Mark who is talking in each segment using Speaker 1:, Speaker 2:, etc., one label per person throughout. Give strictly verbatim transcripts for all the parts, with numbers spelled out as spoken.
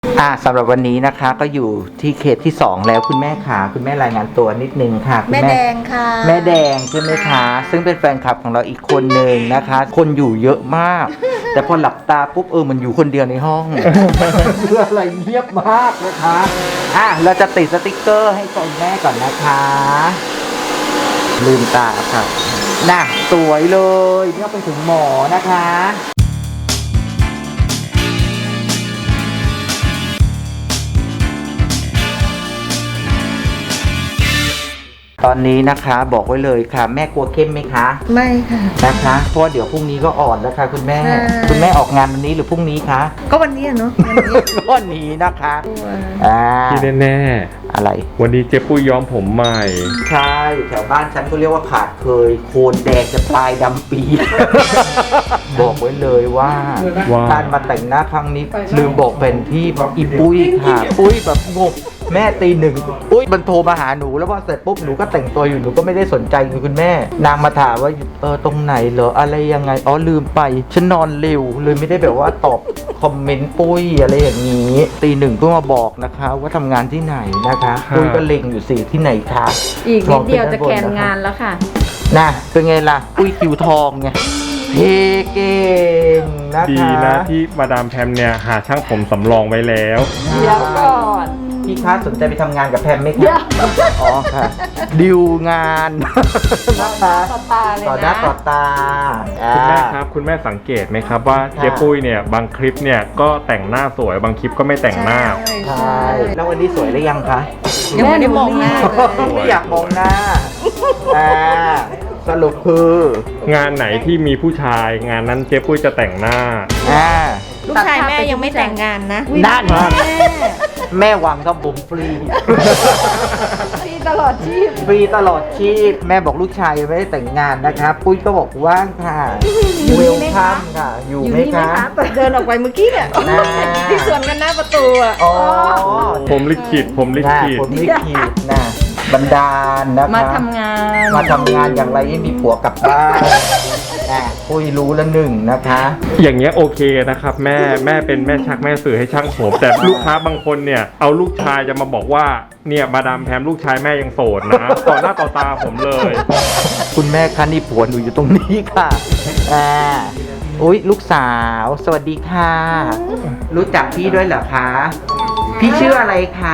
Speaker 1: อ่าสำหรับวันนี้นะคะก็อยู่ที่เขตที่สองแล้วคุณแม่ขาคุณแม่รายงานตัวนิดนึงค่ะคุณ
Speaker 2: แม่แดงค่ะ
Speaker 1: แม่แดงใช่ไหมคะซึ่งเป็นแฟนคลับของเราอีกคนหนึ่งนะคะ คนอยู่เยอะมาก แต่พอหลับตาปุ๊บเออมันอยู่คนเดียวในห้อง เพื่ออะไรเงียบมากนะคะอ่ะเราจะติดสติกเกอร์ให้คุณแม่ก่อนนะคะลืมตาค่ะน่ะสวยเลยเนี่ยไปถึงหมอนะคะตอนนี้นะคะบอกไว้เลยค่ะแม่กลัวเข้มไหมคะ
Speaker 2: ไม่ค่ะ
Speaker 1: นะคะเพราะว่าเดี๋ยวพรุ่งนี้ก็อ่อนแล้วค่ะคุณแม่
Speaker 2: ใช่
Speaker 1: คุณแม่ออกงานวันนี้หรือพรุ่งนี้คะ
Speaker 2: ก็วันนี้อะเนาะวันนี้
Speaker 1: วันนี้นะคะ
Speaker 2: ตัว
Speaker 1: อ่า
Speaker 3: ที่แน่
Speaker 1: อะไร
Speaker 3: ๆวันนี้เจ๊ปุ้ยย้อมผมใหม่
Speaker 1: ใช่แถวบ้านฉันก็เรียกว่าขาดเคยโคนแดงจะปลายดำปี บอกไว้เลยว่า
Speaker 3: ว่า
Speaker 1: การมาแต่งหน้าครั้งนี้ลืมบอกเป็นพี่อีปุ้ยค่ะปุ้ยแบบงงแม่ตีหนึ่งปุ้ยมันโทรมาหาหนูแล้วพอเสร็จปุ๊บหนูก็แต่งตัวอยู่หนูก็ไม่ได้สนใจเลยคุณแม่ นางมาถามว่าเออตรงไหนเหรออะไรยังไงอ๋อลืมไปฉันนอนเร็วเลยไม่ได้แบบว่าตอบคอมเมนต์ปุ้ยอะไรอย่างนี้ตีหนึ่งเพิ่งมาบอกนะคะว่าทำงานที่ไหนนะคะปุ้ยก็เล็งอยู่สิที่ไหนคะ
Speaker 4: อีกนิดเดียวจะแคนงานแล้วค่ะ
Speaker 1: น่ะเป็นไงล่ะปุ้ยคิวทองไงเทเก่งนะคะ
Speaker 3: ดีนะที่มาดามแพมเนี่ยหาช่างผมสำรองไว้แล้ว
Speaker 4: เดี๋ยวก่อน
Speaker 1: พี่คะสนใจไปทำงานกับแพมไหมคะอ๋อค่ะดิวงานนะคะ
Speaker 4: ต่อตาเลย
Speaker 1: ต่อหน้า
Speaker 4: นะ
Speaker 1: ต่อตา
Speaker 3: คุณแม่
Speaker 1: อ่า
Speaker 3: ครับคุณแม่สังเกตไหมครับว่า
Speaker 1: ค่ะ
Speaker 3: เจ๊ปุ้ยเนี่ยบางคลิปเนี่ยก็แต่งหน้าสวยบางคลิปก็ไม่แต่งหน้า
Speaker 1: ใช่แล้ววันนี้สวยหรือยังคะ
Speaker 2: ยังไม่ได้มองหน้าเลย
Speaker 1: ไม่อยากมองหน้าอ่าสรุปคือ
Speaker 3: งานไหนที่มีผู้ชายงานนั้นเจ๊ปุ้ยจะแต่งหน้า
Speaker 1: อ่า
Speaker 2: ลูกชายแม่ยังไม่แต่งงานนะ
Speaker 1: นั่นแม่หวังกับผมฟรี
Speaker 4: ที่ตลอดชีพ
Speaker 1: ฟรีตลอดชีพแม่บอกลูกชายยังไม่ได้แต่งงานนะคะปุ้ยก็บอกว่างค่ะเวลคัมค่ะ อยู่ไหมคะ
Speaker 2: เดินออกไปเมื่อกี้เนี่ย
Speaker 1: อ่า
Speaker 2: ที่สวนกันหน้าประตูอ่ะ
Speaker 1: อ๋อ
Speaker 3: ผมลิขิตผมลิ
Speaker 1: นะ
Speaker 3: ขิต
Speaker 1: ผมลิขิตนะบันดาลนะคะ
Speaker 4: มาทำงาน
Speaker 1: มาทำงานอย่างไรให้มีผัวกลับบ้านนะปุ้ยรู้แล้วหนึ่งนะคะ
Speaker 3: อย่างเงี้ยโอเคนะครับแม่แม่เป็นแม่ชักแม่สื่อให้ช่างผมแต่ลูกค้าบางคนเนี่ยเอาลูกชายจะมาบอกว่าเนี่ยมาดามแพมลูกชายแม่ยังโสดนะ ต่อหน้าต่อตาผมเลย
Speaker 1: คุณแม่คะนี่ผัวหนูอยู่ตรงนี้ค่ะอ่าอุ้ยลูกสาว สวัสดีค่ะ รู้จักพี่ด้วยเหรอคะ พี่ชื่ออะไรคะ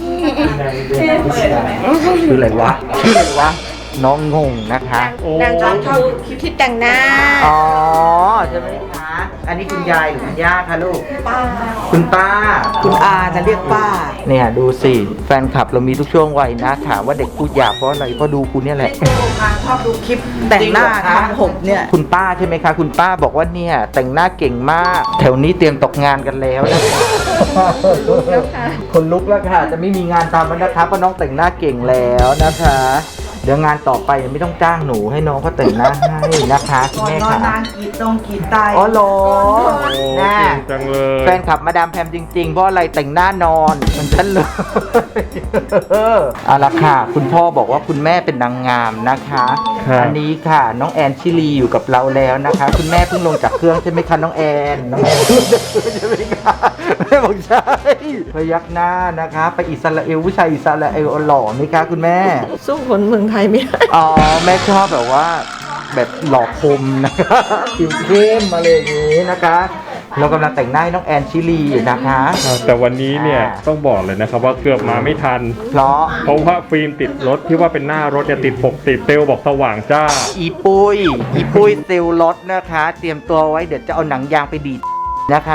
Speaker 1: ชื่ออะไรวะชื่ออะไรวะน้องงงนะคะ
Speaker 2: นางชอบชอบคิดแต่งหน้า
Speaker 1: อ๋อใช่ไหมคะ อันนี้คุณยายหรือคุณย่าคะลูก คุณป้า
Speaker 2: คุณอาจะเรียกป้า
Speaker 1: เนี่ยดูสิแฟนคลับเรามีทุกช่วงวัยนะถามว่าเด็กพูดหยาบเพราะอะไรเพราะดูคุณเนี่ยแหละ
Speaker 2: ชอบดูคลิปแต่งหน้าทำผมเนี่ย
Speaker 1: คุณป้าใช่ไหมคะ คุณป้าบอกว่าเนี่ยแต่งหน้าเก่งมาก แถวนี้เตรียมตกงานกันแล้วนะคนลุกแล้วค่ะ จะไม่มีงานทำแล้วนะคะเพราะน้องแต่งหน้าเก่งแล้วนะคะ เดี๋ยวงานต่อไปไม่ต้องจ้างหนูให้น้องเขาแต่งหน้าให้นะคะคุณแม่ค่ะ
Speaker 2: กีดตรงกีดไต
Speaker 1: อ๋อเหรอ
Speaker 3: โอ้
Speaker 1: น่า
Speaker 3: เก่งจังเลย
Speaker 1: แฟนคลับมาดามแพมจริงๆ เพราะอะไรแต่งหน้านอนเหมันฉันเลยเอาละค่ะ คุณพ่อบอกว่าคุณแม่เป็นนางงามนะคะ
Speaker 3: ครับ
Speaker 1: อันนี้ค่ะ น้องแอนชิลีอยู่กับเราแล้วนะคะ คุณแม่เพิ่งลงจากเครื่องใช่ไหมคะน้องแอนน้องแอนเพิ่งจากเครื่องใช่ไหมคะแม่บอกใช่พยักหน้านะคะ ไปอิสราเอลผู้ชายอิสราเอลหล่อไหมคะคุณแม่
Speaker 2: สู้คนเมืองไทยไม่ได้
Speaker 1: อ๋อแม่ชอบแบบว่าแบบหล่อคมนะคะผิวเข้มมาเลยอย่างนี้นะคะ เรากำลังแต่งหน้าให้น้องแอนชิลีอยู่นะคะ
Speaker 3: แต่วันนี้เนี่ย
Speaker 1: อ่า
Speaker 3: ต้องบอกเลยนะครับว่าเกือบมาไม่ทัน
Speaker 1: เพราะ
Speaker 3: เพราะว่าฟิล์มติดรถที่ว่าเป็นหน้ารถจะติดปกติดเซลลบอกสว่างจ้า
Speaker 1: อีปุ้ยอีปุ้ยเซลล์รถนะคะ เตรียมตัวไว้เดี๋ยวจะเอาหนังยางไปดีดนะคะ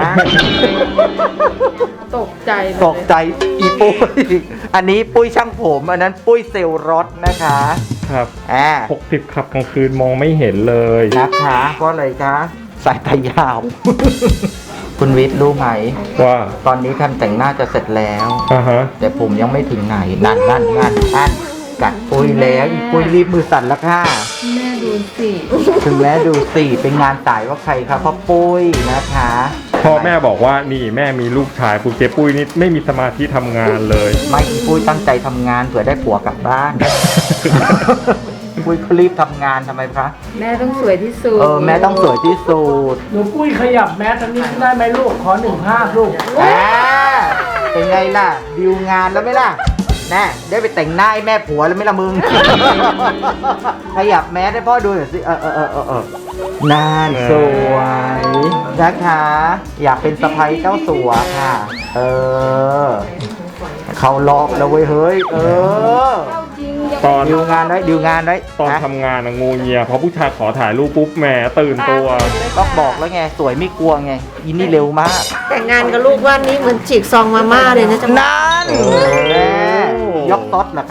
Speaker 4: ตกใจเลย
Speaker 1: ตกใจอีปุ้ยอันนี้ปุ้ยช่างผมอันนั้นปุ้ยเซลล์รถนะคะ
Speaker 3: ครับ
Speaker 1: อ่า
Speaker 3: หกสิบขับกลางคืนมองไม่เห็นเลย
Speaker 1: นะคะเพราะอะไรคะสายตายาว คุณวิทย์รู้ไหม
Speaker 3: ว่า
Speaker 1: ตอนนี้ทำแต่งหน้าจะเสร็จแล้ว
Speaker 3: อ่าฮะ
Speaker 1: แต่ผมยังไม่ถึงไหนนั่นนั่นนั่นนั่นกัดปุ้ยแล้วอีปุ้ยรีบมือสั่นแล้วค่ะ
Speaker 4: แม่ดูสิ
Speaker 1: ถึงแม้ดูสิเป็นงานสายว่าใครครับพ่อปุ้ยนะคะ
Speaker 3: พ่อแม่บอกว่านี่แม่มีลูกชายปุ้ยเจ๊ปุ้ยนี่ไม่มีสมาธิทำงานเลย
Speaker 1: ไม่อีปุ้ยตั้งใจทำงานเผื่อได้ผัวกลับบ้าน ปุ้ยเขารีบทำงานทำไมคะ
Speaker 4: แม่ต้องสวยที่สุด
Speaker 1: เออแม่ต้องสวยที่สุด
Speaker 5: หนูปุ้ยขยับแมสทางนี้ได้ไหมลูก ขอหนึ่งภาพลูก
Speaker 1: อ่าไงล่ะดิวงานแล้วไหมล่ะแน่ได้ไปแต่งหน้าให้แม่ผัวแล้วไหมล่ะมึง ขยับแมสให้พ่อดูหน่อยสิเออเออเออเออเออนานสวยนะคะ อยากเป็นสะใภ้เจ้าสัวค่ะ เออ เขารอบแล้วเว้ยเฮ้ย เออ
Speaker 4: เข้าจริงยัง
Speaker 3: ตอน
Speaker 1: ดิวงานไว้ดิวงานไว้
Speaker 3: ตอน
Speaker 1: นะ
Speaker 3: ทำงานอะงูเงียพอผู้ชายขอถ่ายรูปปุ๊บแหมตื่นตัว
Speaker 1: ก็บอกแล้วไงสวยไม่กลัวไงอินนี่เร็วมาก
Speaker 2: แต่งงานกับลูกว่านี่เหมือนฉีกซองมาม่าเลยนะจ๊ะ
Speaker 1: นั่น
Speaker 3: โอ้
Speaker 1: แม่ยกต๊ดเหรอคะ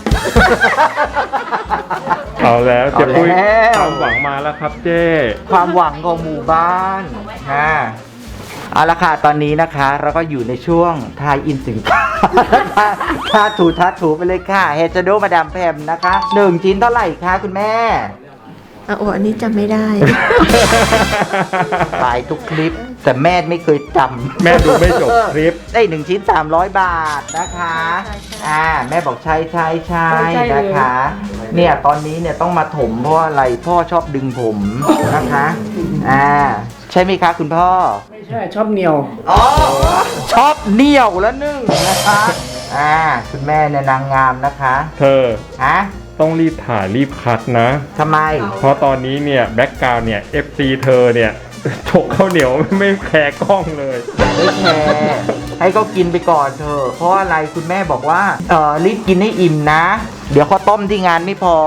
Speaker 3: เอาแล้วเจ๊ปุ้ย
Speaker 1: เอาแล้ว
Speaker 3: ความหวังมาแล้วครับเจ๊
Speaker 1: ความหวังของหมู่บ้านนะเอาละค่ะตอนนี้นะคะเราก็อยู่ในช่วงทายอินสินค้า ทาถูทาถูไปเลยค่ะเฮจโดมาดามแพมนะคะหนึ่งชิ้นเท่าไหร่คะคุณแม่
Speaker 2: อ่ะโอ้อันนี้จำไม่ได้
Speaker 1: ตายทุกคลิป แต่แม่ไม่เคยจำ
Speaker 3: แม่ดูไม่จบคลิป
Speaker 1: ได้หนึ่งชิ้นสามร้อยบาทนะคะอ่าแม่บอกใช่ใช่ใช่นะคะ เนี่ยตอนนี้เนี่ยต้องมาถมเพราะอะไรพ่อชอบดึงผมนะคะอ่าใช่ไหมคะคุณพ่อ
Speaker 5: ไม่ใช่ชอบเหนียว
Speaker 1: อ๋อชอบเหนียวแล้วนึ่งนะคะอ่าคุณแม่เนี่ยนางงามนะคะ
Speaker 3: เธอ
Speaker 1: ฮะ
Speaker 3: ต้องรีบถ่ายรีบคัดนะ
Speaker 1: ทำไม
Speaker 3: เพราะตอนนี้เนี่ยแบ็กกราวเนี่ย เอฟ ซี เธอเนี่ย ฉกข้าวเหนียวไม่แคร์กล้องเลย
Speaker 1: ไม่แคร์ให้เขากินไปก่อนเถอะเพราะอะไรคุณแม่บอกว่าเออรีบกินให้อิ่มนะ เดี๋ยวข้าวต้มที่งานไม่พอ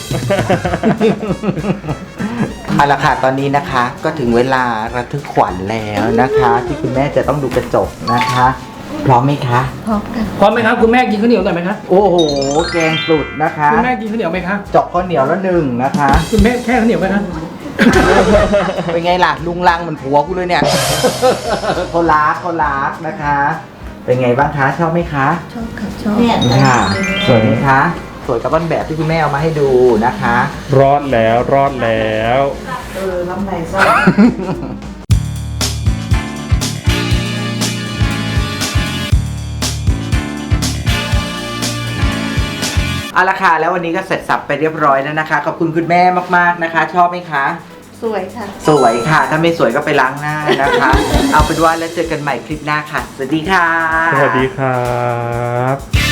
Speaker 1: เอาละค่ะตอนนี้นะคะ ก็ถึงเวลาระทึกขวัญแล้วนะคะ ที่คุณแม่จะต้องดูกระจกนะคะ พร้อมไหมคะ
Speaker 2: พร้อมกัน
Speaker 5: พร้อมไหมครับคุณแม่กินข้าวเหนียวหน่อยไหมคะ
Speaker 1: โอ้โห แกงสุดนะคะ
Speaker 5: คุณแม่กินข้าวเหนียวไหมคะ
Speaker 1: เจาะข้าวเหนียวแล้วหนึ่งนะคะ
Speaker 5: คุณแม่แค่ข้าวเหนียวไหมคะ
Speaker 1: เป็นไงล่ะลุงลังเหมือนผัวกูเลยเนี่ย เขารักเขารักนะคะ เป็นไงบ้างคะชอบไหมคะ
Speaker 2: ชอบค่ะชอบ
Speaker 1: ค่ะสวยไหมคะ สวยกับต้นแบบที่คุณแม่เอามาให้ดูนะคะ
Speaker 3: รอดแล้วรอดแล้ว
Speaker 2: เออน้ำไหนซ่า
Speaker 1: เอาละค่ะแล้ววันนี้ก็เสร็จสับไปเรียบร้อยแล้วนะคะ ขอบคุณคุณแม่มากๆนะคะ ชอบไหมคะ
Speaker 2: สวยค่ะ
Speaker 1: สวยค่ะ ถ้าไม่สวยก็ไปล้างหน้านะคะ เอาเป็นว่าแล้วเจอกันใหม่คลิปหน้าค่ะ สวัสดีค่ะ
Speaker 3: สวัสดีครับ